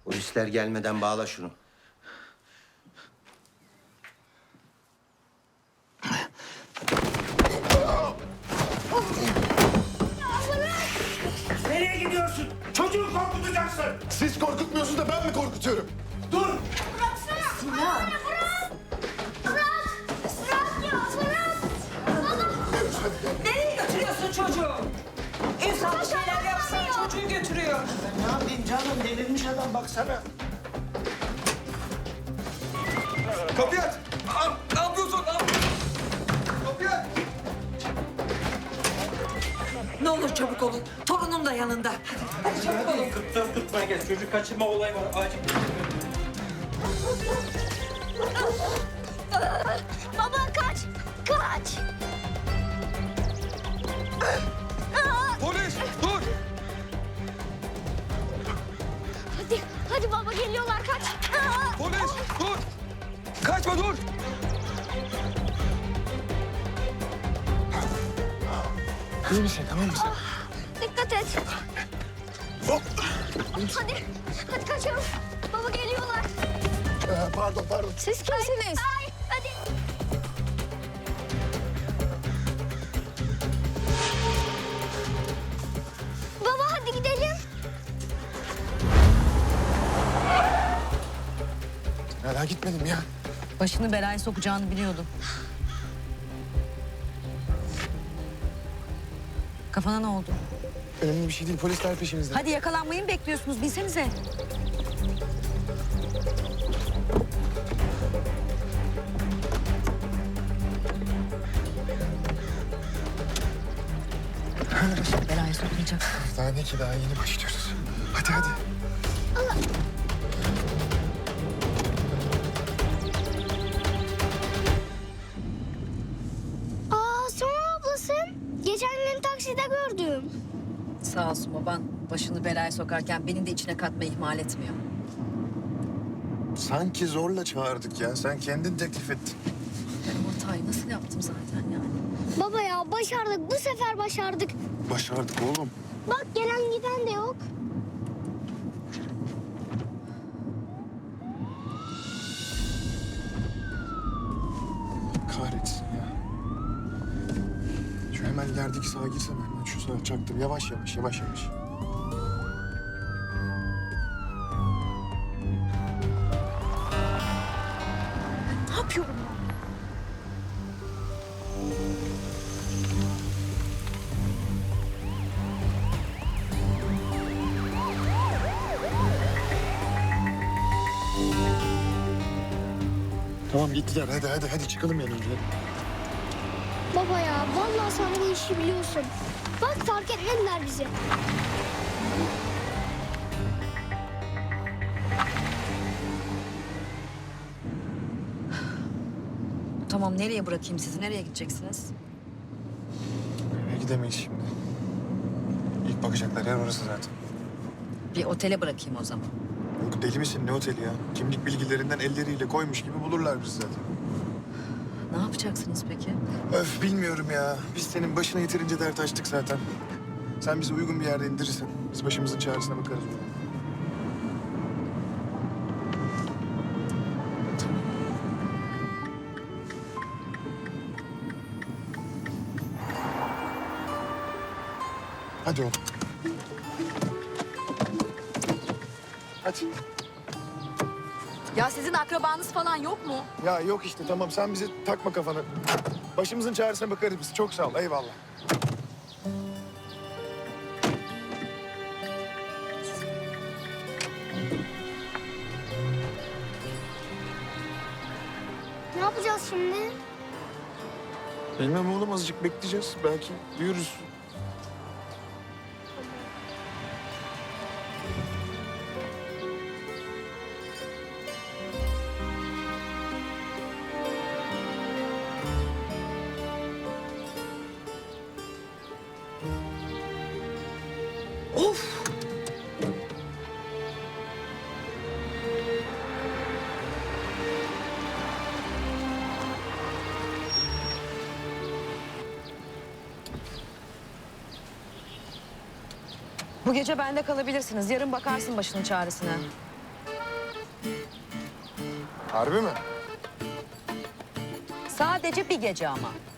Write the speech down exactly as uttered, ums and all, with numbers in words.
Polisler gelmeden bağla şunu. Nereye gidiyorsun? Çocuğu korkutacaksın. Siz korkutmuyorsunuz da ben mi korkutuyorum? Dur. Sinan. Bırak! Bırak! Bırak ya, bırak! Nereye götürüyorsun çocuğu? İnsan bir şeyler yapsa çocuğu götürüyor. Ben ne yapayım canım? Delirmiş adam baksana. Kapıyı aç! Aa, ne yapıyorsun? Aa! Kapıyı aç! Ne olur çabuk olun. Torunum da yanında. Hadi, hadi çabuk olun. kırk dört tutmaya gel. Çocuk kaçırma olayı var. Acil. Baba kaç! Kaç! Polis! Dur! Hadi, hadi baba geliyorlar kaç! Polis! Dur! Kaçma dur! İyi misin, tamam mısın? Dikkat et. Hop! Hadi, hadi kaçalım. Baba geliyorlar. Ee, pardon, pardon. Siz kimsiniz? Ay, hadi. Baba hadi gidelim. Hala gitmedim ya. Başını belaya sokacağını biliyordum. Kafana ne oldu? Önemli bir şey değil, polisler peşimizde. Hadi yakalanmayı mı bekliyorsunuz? Bilsenize. Başını belaya sokmayacak. Daha ne ki, daha yeni başlıyoruz. Hadi hadi. Aa, sonra ablasın. Geçen gün takside gördüm. Sağ olsun baban başını belaya sokarken beni de içine katmayı ihmal etmiyor. Sanki zorla çağırdık ya. Sen kendin teklif ettin. Ben o hatayı nasıl yaptım zaten yani? Baba ya başardık. Bu sefer başardık. Başardık oğlum. Bak gelen giden de yok. Kahretsin ya. Şu hemen ilerideki sağa girsem hemen şu sağa çaktım. Yavaş yavaş, yavaş yavaş. Ne yapıyorum? Tamam gittiler. Hadi hadi hadi çıkalım yanımda. Baba ya vallahi sen bu işi biliyorsun. Bak fark etmediler bizi. Tamam nereye bırakayım sizi? Nereye gideceksiniz? Eve gidemeyiz şimdi. İlk bakacaklar yer orası zaten. Bir otele bırakayım o zaman. Yok deli misin, ne oteli ya? Kimlik bilgilerinden elleriyle koymuş gibi bulurlar bizi zaten. Ne yapacaksınız peki? Öf bilmiyorum ya. Biz senin başına yeterince dert açtık zaten. Sen bizi uygun bir yerde indirirsen biz başımızın çaresine bakarız. Hadi oğlum. Hadi. Ya sizin akrabanız falan yok mu? Ya yok işte tamam sen bizi takma kafana. Başımızın çaresine bakarız biz. Çok sağ ol eyvallah. Ne yapacağız şimdi? Bilmem oğlum azıcık bekleyeceğiz. Belki duyuruz. Of! Bu gece bende kalabilirsiniz. Yarın bakarsın başının çaresine. Harbi mi? Sadece bir gece ama.